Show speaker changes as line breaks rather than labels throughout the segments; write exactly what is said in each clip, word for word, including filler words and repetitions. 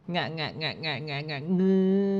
งะงะงะงะงะงะงื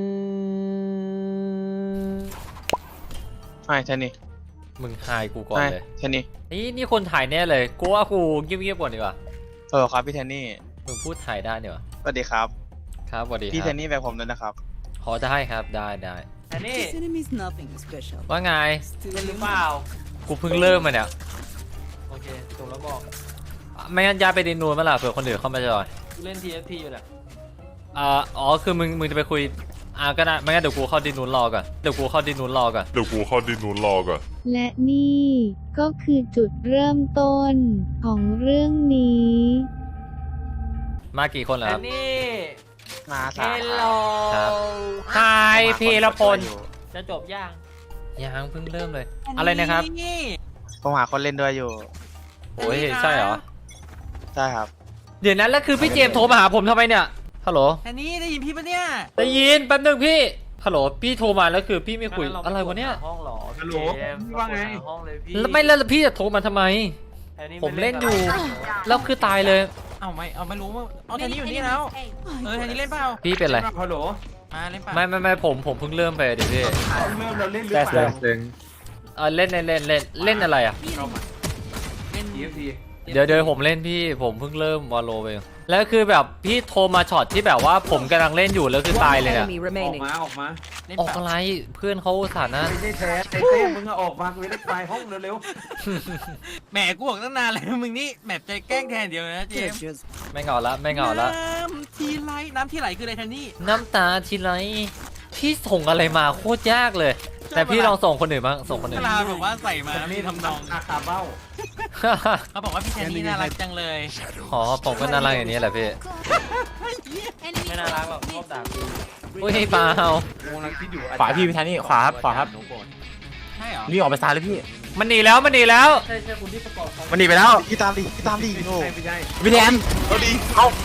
อ
ใช่ใช่นี่
มึงหายกูก่อนเลย
ใช่นี่
นี่นี่คนถ่ายแน่เลยกูว่ากูเงียบๆก่อนดีกว่า
เออครับพี่แทนนี่
มึงพูดถ่ายได้เนี่ยวะ
สวัสดีครับ
ครับสวัสดีค
พี่แท
รับ
นนี่แบบผมด้วยนะครับ
ขอได้ครับได้ได้
อันนี้
This enemy is nothing special.
ว่าไง
เล่นหรือเปล่า
กูเพิ่งเริ่มมาเนี่ย
โอเคจบแล้วบอก
ไม่งั้นย้ายไปดินนูนมาล่ะเผื่อคนอื่นเข้ามาจอย
กูเล่น ที เอฟ ที อยู่แหละ
อ่าอ๋อคือมึงมึงจะไปคุยอ่าก็ได้ไม่งั้นเดี๋ยวกูเข้าดินนูนรอก่อนเดี๋ยวกูเข้าดินนูนรอก่อน
เดี๋ยวกูเข้าดินนูนรอก่อน
และนี่ก็คือจุดเริ่มต้นของเรื่องนี้
มากี่คนแล้ว
อั
คน รับ
นี้
มา
เฮ
สาม
ลโล
ครับ ทายพีรพล
จะจบย่าง
ยังเพิ่งเริ่มเลย อะไรนะครับ
ผมหาคนเล่นด้วยอยู่
โอ้ยใช่เหรอ
ใช่ครับ
เดี๋ยวนั้นแล้วคือพี่เจมส์โทรมาหาผมทำไมเนี่ยฮัลโหล
อันนี้ได้ยินพี่ปะเนี่ย
ได้ยินแป๊บนึงพี่ฮัลโหลพี่โทรมาแล้วคือพี่ไม่คุยอะไรวะเนี่ย
ห้องหรอ
ฮัลโหล
พี่เจมส์
ว่าไง
ห้องเลยพี่
แล้วไม่แล้วพี่จะโทรมาทำไม
อันนี้
ผมเล่นอยู่ แล้วคือตายเลย
เอาไม่เอาไม่รู้ว่าเอาแทนนี้อยู่นี่แล้วเออแทนนี้เล่นเปล่า
พี่เป็นไร
ฮัลโหล
มาเล่นเปล่า
ไม่ไม่ไม่ผมผมเพิ่งเริ่มไปเดี๋ยวพี่
เริ่มเราเล่นหรือเปล่า
เออเล่นเล่นเล่นเล่นเล่นอะไรอ่ะ
เข้ามา
เล่น
ที เอฟ ที
เดี๋ยวเดี๋ยวผมเล่นพี่ผมเพิ่งเริ่มวอลโลไปแล้วคือแบบพี่โทรมาช็อตที่แบบว่าผมกำลังเล่นอยู่แล้วคือตายเลยเนี่ย
Enemy
ออก
remaining.
มาออกมา
เล่น
ออก
เปล่า
อะไรเพื่อนเขาอุตสาห์นะ
ไม่ใช่แท้ไอ้เต้มึงอะออกมากูจะได้ไปห้องเร็ว
แหมกูบอกตั้งนานแล้วมึงนี่แหมใจแกล้งแทนเดียวนะเจมส์
Just
ไม่เหงาละไม่เหงาละ
น้ำทีไหลน้ำที่ไหลคืออะไรแทนนี่
น้ำตาทีไรพี่ส่งอะไรมาโคตรยากเลย แต่พี่ลองส่งคนอื่นบ้างส่งคน
เว
อื่น
ลาแบบว่าใส่มา
ๆ
นี่ทำนอง
อาคาเบ้า
เขาบอกว่าพี่แทนนี่น่ารักจังเลย
อ๋อผมก็น่ารักอย่างนี้แหละพี่
ไม่น่ารักหรอกชอบด่ากู
อุ้ยเปล่า
โมนังคิดอยู่
ขวาพี่พี่แทนนี่ขวาครับขวาครับ
ใช่เหรอ
นี่ออกไปซ้ายเลยพี่
มันหนีแล้วมันหนีแล้ว
ใช่ใช่คุณที่ประกอบเขา
มันหนีไปแล้ว
พี่ตามดิพี่ตามดิโอ้
ไม่ใช่
พี่แทน
เอาดิ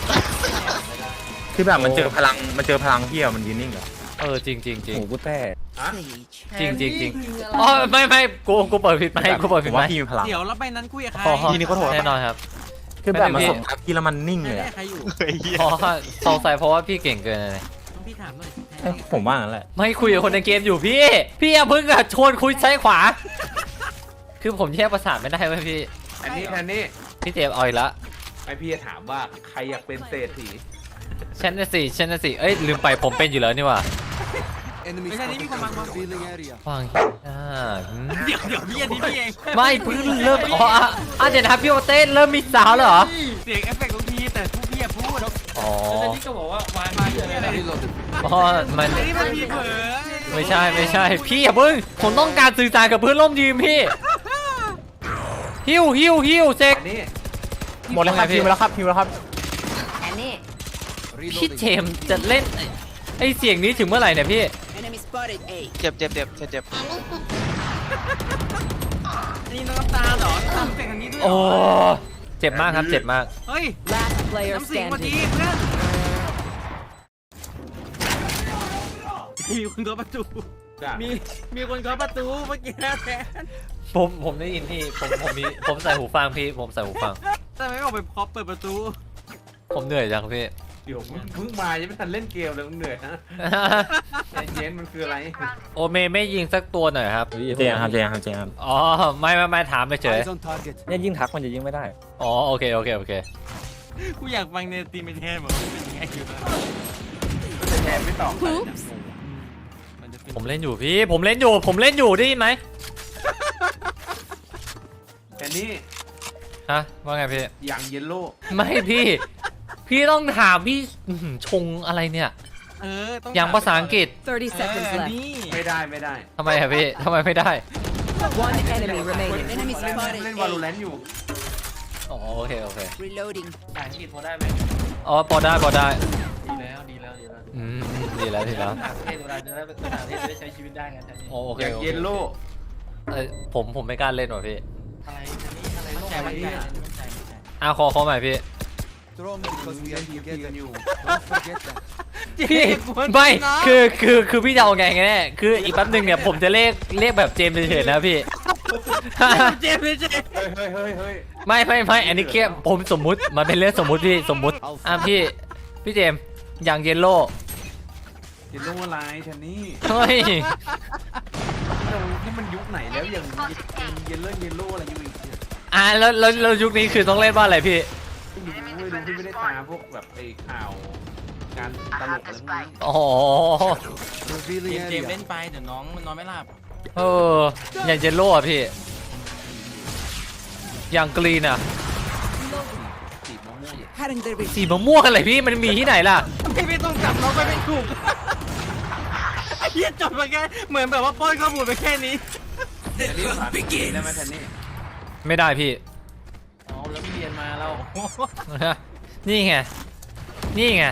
คือแบบมันเจอพลังมันเจอพลังพี่อะมันยืนนิ่งเหรอ
เออจริงจริงจริง
โอ้โหกูแต่
sage.
จริงจริงจริงอ๋อไม่ไม่กูกูเปิดผิดไหมกูเปิด
ผ
ผิด
ม
ไหม
ว่าพี่มีพลัง
เดี๋ยวแล้วไปนั้นคุยกับใคร
อ๋อ
ทีนี้ก็โทษ
แน่นอนครับ
คือแบบมัน
ไม่ได้พี่
ส่งทักพี่แล้วมันนิ่งเลย
แน่
อะ
ๆใครอยู่
เฮ้ยเหี้ย
อ๋อสงสัยเพราะว่าพี่เก่งเกินเลย
ต้องพี่ถามหน่อย
เอ้ยผมว่างั้นแหละ
ไม่คุยกับคนในเกมอยู่พี่ พี่อย่าเพิ่งอะชวนคุยซ้ายขวา คือผมแยกประสาทไม่ได้เว้ยพี่
อันนี้แทนนี่
พี่เจมส์เอาอีกละ
ไอพี่จะถามว่าใครอยากเป็นเศรษฐี
ฉันน่ะสิฉันน่ะสิเอ้ยลืมไปผมเป็นอยู่แล้วนี่หว่า
ไม่ใช่นี่มีคนมามา
ฟังอ่าหืม
เดี๋ยวเดี๋ยวพี่อันนี้พี่เอง
ไม่เพิ่งเริ่มอ๋ออ่ะอ่ะเดี๋ยวนะครับพี่โอเต้เริ่มมีสาวแล้วเหรอ
เสียงเอฟเฟกต์ทุกทีแต่ทุกพี่อะพูด
อ๋อ
แล้วนี่ก็บอกว่าวางมาเยอะเลย
อ๋อมัน
อันนี้มันมีเผลอ
ไม่ใช่ไม่ใช่พี่อย่าเพิ่งผมต้องการสื่อสารกับเพื่อนร่วมทีมพี่ฮิวฮิวฮิวเซ็ก
อันนี้
หมดแล้วครับ
พี่
พิมพ์แล้วครับพิมพ์แล้วครับ
พี่เจมส์จะเล่นไอ้ไอเสียงนี้ถึงเมื่อไหร่เนี่ยพี่
Enemy spotted A.
เจ็บเจ็บเจ็บเจ็บเจ็บ
อันนี้น้ำตาเหรอทำเสียงอันนี้ด้วยเหร
โอ้
อ
เจ็บมากครับเจ็บมาก
เฮ้ย
Last player
น้ำเสียงพอดี
standing.
เพื่อนมีคนเคาะประตู มีมีคนเคาะประตูเมื่อกี้นะแทน
ผมผมได้ยินพี่ผมผมมีผมใส่หูฟังพี่ผมใส่หูฟัง
แต่ไม่ออกไปเคาะเปิดประตู
ผมเหนื่อยจังพี่
เดี๋ยวมึงเพิ่งมายังไม่ทันเล่นเกมเลยมึงเหนื่อยนะใจเย็นมันคืออะไร
โอเมไม่ยิงสักตัวหน่อยครับ
เจมส์ครับเจมส์ครับเจมส์ครับ
อ๋อไม่ไม่ไม่ถามไปเฉย
เนี่ยยิ่งทักมันจะยิ่งไม่ได้
อ๋อโอเคโอเคโอเค
กูอยากฟังเนตีไม่แทนบอกว่าเป็นยังไงอยู่นะ
แต่แทนไม่ตอบ
Oops.
มันจะเป็น
ผมเล่นอยู่พี่ผมเล่นอยู่ผมเล่นอยู่ได้ยินไหม
แทนนี่
ฮะว่าไงพี่
อย่างเยลโล่
ไม่พี่ พี่ต้องถามพี่อื้อหือชงอะไรเนี่ย
เออต้อง
อย่างภาษาอังกฤษ
thirty
เอ
seconds
อ
left.
นี่
ไม่ได้ไม่ได้
ทำไมอะพี่ทำไมไม่ได้
One enemy remaining. Enemy
เล่น
spotted
เล่นวาโลแร
A.
นต์อยู่
อ๋อโอเคโอเค
Reloading.
ภาษาอังกฤษพอได้ไหม
อ๋อพอได้พอได้
ดีแล้วดีแล้วดีแล้ว
อืมดีแล้วดีแล้ว
ต่างประเทศเวลาจะได้เป็นต่างประเทศจะได้ใช้ชีวิตได้ไงแทนนี่
โอโอเค
อย่าง
โอเค
เยลโล่
เอ้ยผมผมไม่กล้าเล่นว่ะพี่
อะไรแทนนี่อะไรมั่นใจมั่นใจมั่นใจมั่นใจ
อ่ะขอขอใหม่พี่
มึงเล่นทีเอฟทีกันอยู่
พี่ไม่คือคือคือพี่จะเอาไงกันแน่คืออีกแป๊บหนึงเนี่ยผมจะเรียกเรียกแบบเจมส์เฉยๆนะพี่
เจมส์เจมส์
เฮ้ยเฮ้ยเฮ้ยเฮ้ย
ไม่ไม่ไม่อันนี้แค่ผมสมมุติมันเป็นเรื่องสมมุติพี่สมมุติอ่ะพี่พี่เจมส์อย่างเยลโล่
เยลโล่อะไรแทนนี่
เฮ้ย
เรานี่มันยุคไหนแล้วอย่างเยลโล่เยลโล่อะไรอยู่อีกเนี่ย
อ่ะแล้วแล้วแล้วยุคนี้คือต้องเล่นว่าอะไรพี่
ไม่รู้ไม่รู้ที่ไม่ได้ตามพวกแบบไอ้ข่าวการตลกอะไรพวกนี้
อ๋อ
เจมส์เจมส์เล่นไปเดี๋ยวน้องมันนอนไม่หลับ
เอออย่างเยลโล่อะพี่ อย่างกรีนอะ
สีมะม่วง
Cutting their vision.
สีมะม่วงอะไรพี่มันมีที่ไหนล่ะ
พี่ไม่ต้องจับน้องไปเป็นถูกไอ้เหี้ยจบมาแค่เหมือนแบบว่าป้อนข้อมูลไปแค่นี้
แทนนี่ภาษาอังกฤษได้ไหมแทนนี่
ไม่ได้พี่
อ๋อแล้วไม่เรียนมาเรา
นี่ไง นี่ไง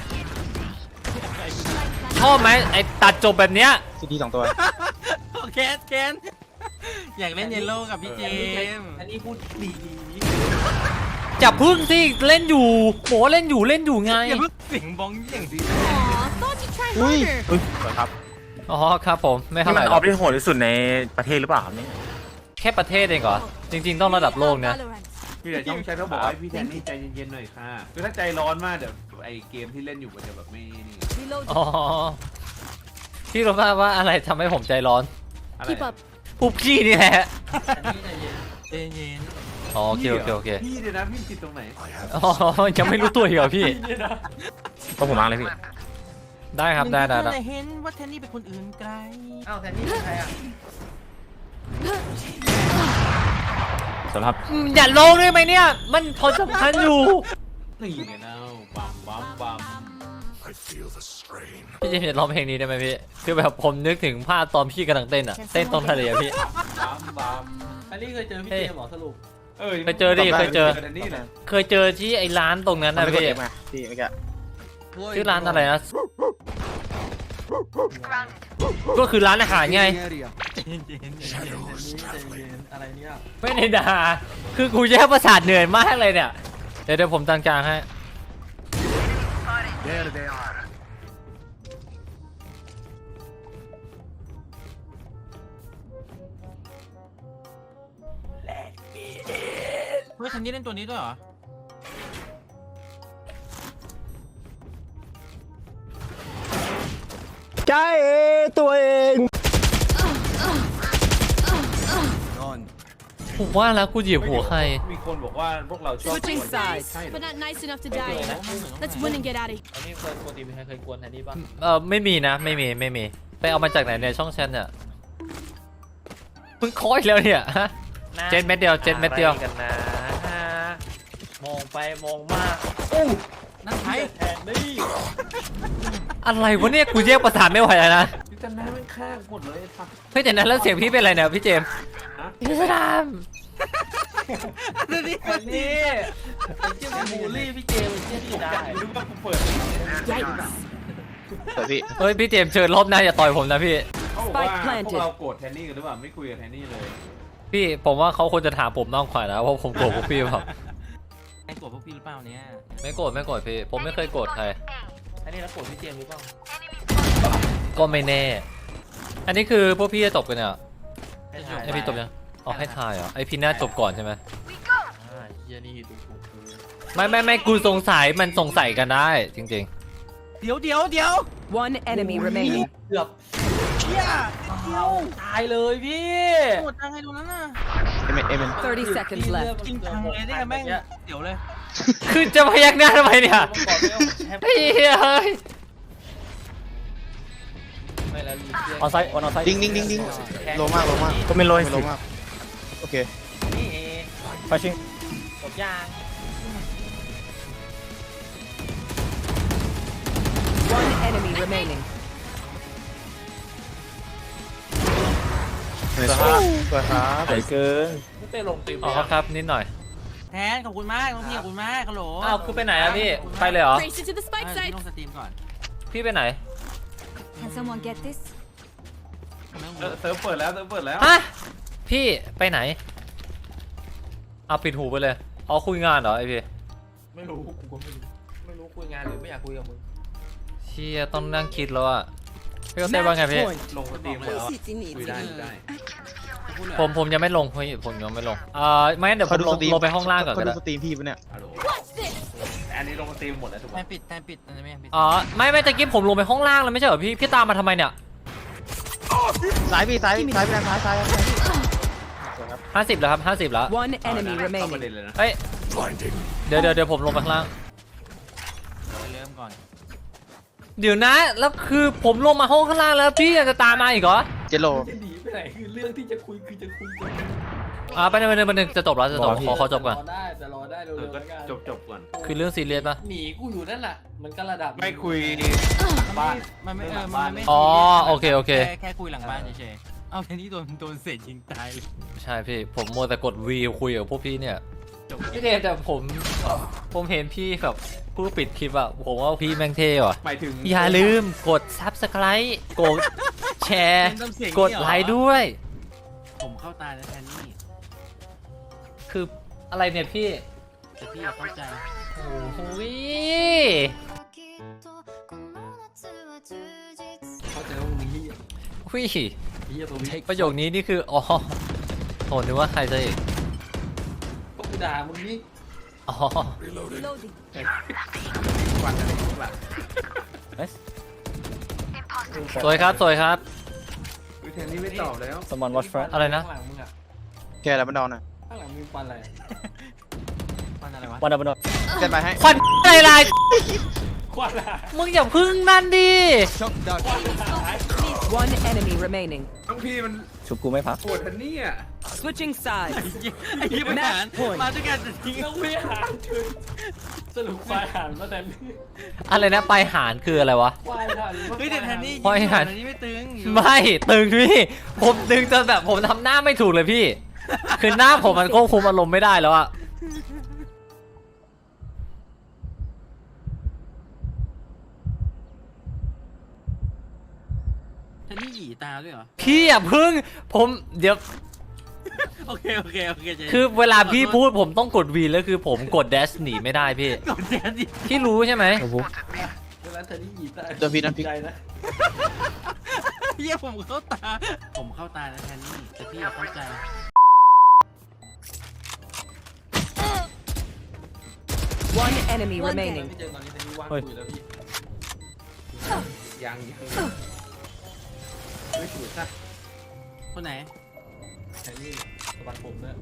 ชอบไหมไอตัดจบแบบเนี้ย
ซีดีสองตัว
แคสแคนอยากเล่นเยลโล่กับพี่เจมส์
อันนี้พูดดี
จับพึ่งสิเล่นอยู่โหเล่นอยู่เล่นอยู่ไง
อย่าเพิ่งเสียงบ้องอย่างดี
อุ้ย
อุ้ยสวยครับ
อ๋อครับผมไม่
นี่
เท่าไห
มัน
ร่
อ
หร
อ
อก
ฟที่โหดที่สุดในประเทศหรือเปล่าครับเนี่ย
แค่ประเทศเองเหรอ จริง ๆ ต้องระดับโลกนะ
พี่แต่ต้องใช้เขาบอกให้พี่แทนนี่ใจเย็นๆหน่อยค่ะคือถ้าใจร้อนมากเดี๋ยวไอ้เกมที่เล่นอยู่มันจะแบบไม่นี่
อ๋อ พี่รู้ป่ะว่าอะไรทำให้ผมใจร้อน
อะไร
ปุบขี้นี่แหละ
เจเย็น
อ๋อโอเคโอเคโอเค
พี่เดี๋ยวนะพี่ผิดตรงไหน
อ๋อยังไม่รู้ตัวอีกเหรอพี่
ต้องผมมาเลยพี่
ได้ครับได้ได้ได้
แต่เห็นว่าแทนนี่เป็นคนอื่นไกล
อ้าวแทนนี่เป็นใครอ่ะ
สำหรับ
อืมอย่าลงได้ไหมเนี่ย มันพอสำคัญอยู่
นี่ไงเนาบัมบัมบัม
พี่เจมส์จะร้องเพลงนี้ได้ไหมพี่ คือแบบผมนึกถึงภาพตอนพี่กำลังเต้นอะเต้นตรงทะเลอะพี่
บัมบัม
อันนี้เคยเจอพี่
เฮ้ย
เจมส์หรอสรุป
เออ
เคยเจอดิเคยเจอ
แทนนี่แหละ
เคยเจอที่ไอ้ร้านตรงนั้น
มัน
นะ
ไม่กด
พี่
เอฟไงพี่เมื่อกี้
ชื่อร้านอะไรนะ ก็คือร้านอาหารไง
ใจเย็นใจเย็นใจเย็นใจเย็นอะไรเนี่ย
ไม่ได้ด่าคือกูแย่ประสาทเหนื่อยมากเลยเนี่ย เดี๋ยวเดี๋ยวผมตั้งกลางให้
เฮ้ยแทนนี่เล่นตัวนี้ด้วยเหรอ
ใจตัวเอง
ผมว่าแล้วกูเหยียบหัวใคร
มีคนบอกว่าพวกเราชอบ
Switching sides.
ใช่เหรอ
But not nice enough to die. Let's win and get out of here.
อันนี้เคยปกติมีใครเคยกวนแทนนี่บ้าง
เออไม่มีนะไม่มีไม่มีไปเอามาจากไหนเนี่ยช่องแชทเนี่ยเพิ่งคอยแล้วเนี่ยฮะ เจ็ดเม็ดเดียวเจ็ดเม็ดเดียว
กันนะมองไปมองมานั่นใครแทนนี่
อะไรวะเนี่ยกูแยกประสาทไม่ไหวแล้วนะ
พี่จันน้ามันฆ่าหมดเลยไอ้สัตว์
เฮ้ยแต่นั้นแล้วเสียงพี่เป็นอะไรเนี่ยพี่เจมส์
ฮะ
พี่สนาม
อันนี้
แทนนี่ไอ้เจ้าบูลลี่พี่เจมส์เจ้าที่ได้รู้ว่ากูเปิด
Yikes.
เปิดพี่
เฮ้ยพี่เจมส์เชิญรอบหน้าอย่าต่อยผมนะพี่
เขาบอกว่า
Spike planted
พวกเราโกรธแทนนี่กันหรือเปล่าไม่คุยกับแทนนี่เลย
พี่ผมว่าเขาควรจะถามผมมากกว่านะว่าผมโกรธพวกพี่เปล่า
ใครกดพวกพี่หรือเปล่าเนี่ย
ไม่โกรธไม่โกรธพี่ผมไม่เคยโกรธใคร
อันนี้แล้วกดพี่เจมส์หรือเปล่า
ก็ไม่แน่ อันนี้คือพวกพี่จะจบกันเนี่ย
ให้ถ่าย
ไอพี่จบยังอ๋อให้ทายเหรอไอพี่น่าจบก่อนใช่ไหม
อ่าเฮียนี่ดูถูกกู
ไม่ไม่ไม่กูสงสัยมันสงสัยกันได้จริง
เดี๋ยวเดี๋ยวเดี๋ยว
One enemy remaining.
เกือบเฮียเดียวตายเลยพี่หมดทางให้ดูนั้นน่ะ
เอเมนเอเมน
thirty seconds left.
กินทางเลยได้ไงแม่งเดี๋ยวเลย
ๆ คือจะพยักหน้าทำไมเนี่ยเฮ้ยเฮ้ย
ไม่แล้ว
ออนไซต์ออนไซต์
ดิ้งดิ้งดิ้งดิ้งโลมากโลมาก
ก็ไม่โรย
โล
สิ
มากโอเค
นี่เอ
ไปชิง
จบยาง
One enemy remaining.
สวยครับสวยครับ
ใหญ่เกิน
ไม่ได้ลงตีม
อ๋อครับนิดหน่อย
แทนขอบคุณมากน้องพี่ขอบคุณมากฮัลโหล
อ้าวคือไปไหนอะพี่ไปเลยเหรอ
Race into the
เอ
spike
อ
site.
พี่ลงสตรีมก่อน
พี่ไปไหน
Can someone get this?
เออเซิร์ฟเปิดแล้วเซิร์ฟเปิดแล้ว
ฮะพี่ไปไหนเอาปิดหูไปเลยอ๋อคุยงานเหรอไอพี่
ไม่รู้กูก็ไม่รู้ไม่รู้คุยงานหรือไม่อยากคุยกับมึง
เชี่ยต้องนั่งคิดแล้วอะพี่ก็เต้ว่าไงพี่
ลงสตรีมแล้วอะคุยได้คุยได้
ผมผมยังไม่ลงเฮ้ยผมยังไม่ลงเอ่อไม่งั้นเดี๋ยวผ
เขา
ม
ดู
ล
ส
ง
ตรีม
ลงไปห้องล่างก่อน
เขา
ก็
ดู
ได้
สตรีมพี่ปะเนี่ย
ฮัลโหล
Watch this.
อันนี้ลงมาเต็มหมดแล้วถูกไหม
แทนปิดแทนปิดอันนี้ไม่ปิด
อ๋อไม่ไม่ตะกี้ผมลงไปห้องล่างแล้วไม่ใช่เหรอพี่พี่ตามมาทำไมเนี่ย
ซ้ายพี่ซ้ายซ้ายไปทางซ้ายซ้ายซ้ายสวยครับ
ห้าสิบแล้วครับห้าสิบแล้ว
One enemy
เข้าประ
remaining.
เด็นเลยนะ
เฮ้ยเดี๋ยวเดี๋ยวเดี๋ยวผมลงไปข้างล่าง
เริ่มก่อน
เดี๋ยวนะแล้วคือผมลงมาห้องข้างล่างแล้วพี่ยังจะตามมาอีกเหรอ
เจโล
จะหนีไปไหนคือเรื่องที่จะคุยคือจะคุยกัน
อ่าไปหนึ่งไปหนึ่งไปหนึ่งจะจบแล้วจะจบขอขอจบก่อน
รอได้แต่รอได้เร็
เออ
วๆ
ก็
แล้วกัน
จบจบก่อน
คือเรื่องซีเรียสปะ
หนีกูอยู่นั่นแหละมันก็ระดับ
ไม่คุย
บ้านมันไม่เออมันไม่
อ๋อโอเคโอเค
แค่แค่คุยหลังบ้านเฉยๆเอาแทนที่โดนโดนเศษยิงตายเลย
ใช่พี่ผมมัวแต่กดวีคุยกับพวกพี่เนี่ย
จบ
พี่เดมแต่ผมผมเห็นพี่แบบผู้ปิดคลิปอะผมว่าพี่แม่งเท่ว่ะ
หมายถึง
อย่าลืมกด Subscribe กดแชร์ กดไลค์ด้วย
ผมเข้าตาแล้วแทนนี่
คืออะไรเนี่ยพี่
แต่พี่อย่าเข้าใจ
โอ้โห
เข้าใจว่ามึงเฮีย
วิ
เฮียตรงนี้
ประโยคนี้นี่คืออ๋อโหนึกว่าใครจะอีก
ก็กูด่ามึงนี่
อ๋อ
Reloading.
วันอะไรพวกล่ะ
สวยครับสวยครับ
วิธีนี้ไม่ตอบแล้ว
someone watch front
อะไรนะ
ข้างหลังมึงอะ
แกแล้วมันดอนอ่ะ
ข้างหลังมึงปันอะไร
มันอะไรวะ
one up one up
เต้นไปให้
ควันอะไรไร
ควันอะ
มึงอย่าพึ่งนั่นดิ
One enemy remaining.
ต้องพี่มัน
ชุบกูไม่พัก
ปวดทันนี่อ่ะ
Switching sides.
ไอ้ยี่ปัญหาร
point
มาด้วยกันจะทิ้ง
ต้องไม่หารคือสรุปควายหารมาแต่
อะไรนะไปหารคืออะไรวะ
ควายหาร
เฮ้ยแต่แทนนี่
พอไอ้หัน
แทนนี่ไม่ตึง
ไม่ตึงพี่ผมตึงจนแบบผมทำหน้าไม่ถูกเลยพี่ คือหน้าผมมันควบคุมอารมณ์ไม่ได้แล้วอะ
แทนนี่หยีตาด้วยเหรอ
พี่อย่าพึ่งผมเดี๋ยว
โอเคโอเคโอเคใจ
คือเวลาพี่พูดผมต้องกดวีแล้วคือผมกดแดชหนีไม่ได้พี่
กดแทนนี่
พี่รู้ใช่ไหม
เวลาเธอนี่หยีตา
เดี๋ยวพี่น้ำพริก
ใจนะ
เยี่ยผมเข้าตา ผมเข้าตาแล้วแทนนี่แต่พี่อย่าเข้าใจ
One enemy
One
remaining.
พี่เจอตอนนี้เธอนี่ว่าง
เฮ้ย
อยู่แล้วพี่
ยังยังไม่ถูกซะ
คนไหน
แทนนี่สะบัดผมเนี่ย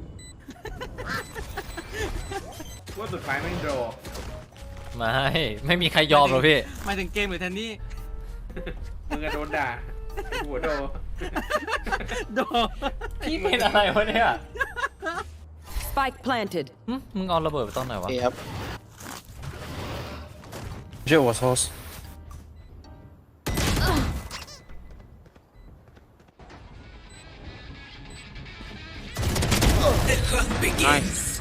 ว่าสุดท้ายไม่โดน
ไม่ไม่มีใครยอมหรอกพี่
หมายถึงเกมหรือแทนนี่
มึงอะโดนด่าหัวโดน
โด
พี่เป็นอะไรวะเนี่ย
Spike planted.
หึมึงเอาระเบิดไปตอนไหนวะ
เอครับ
Jet was horse
nice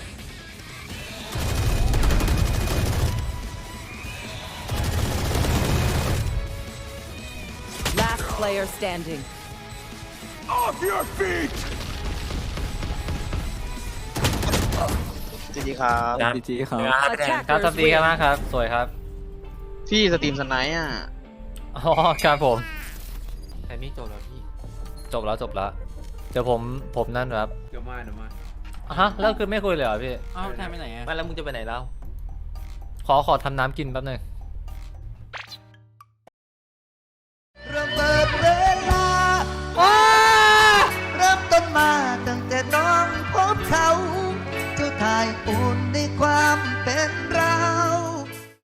Last player standing.
จริงๆครับ
จีจีครับ
ครับทำดีครับมากครับ สวยครับ
พี่สตรีมสไนป์อ่ะ
อ๋อครับผมแทนนี่จบแล้วพี่ จบแล้วจบแล้ว เดี๋ยวผมผมนั่นครับ
เดี๋ยวมาเดี๋ยวมา
ฮะแล้วคือไม่คุยเลยเหรอพี่
เอ้าแทนไปไหนอะ
ไม่แล้วมึงจะไปไหนแล้ว ขอขอทำน้ำกินแป๊บหนึง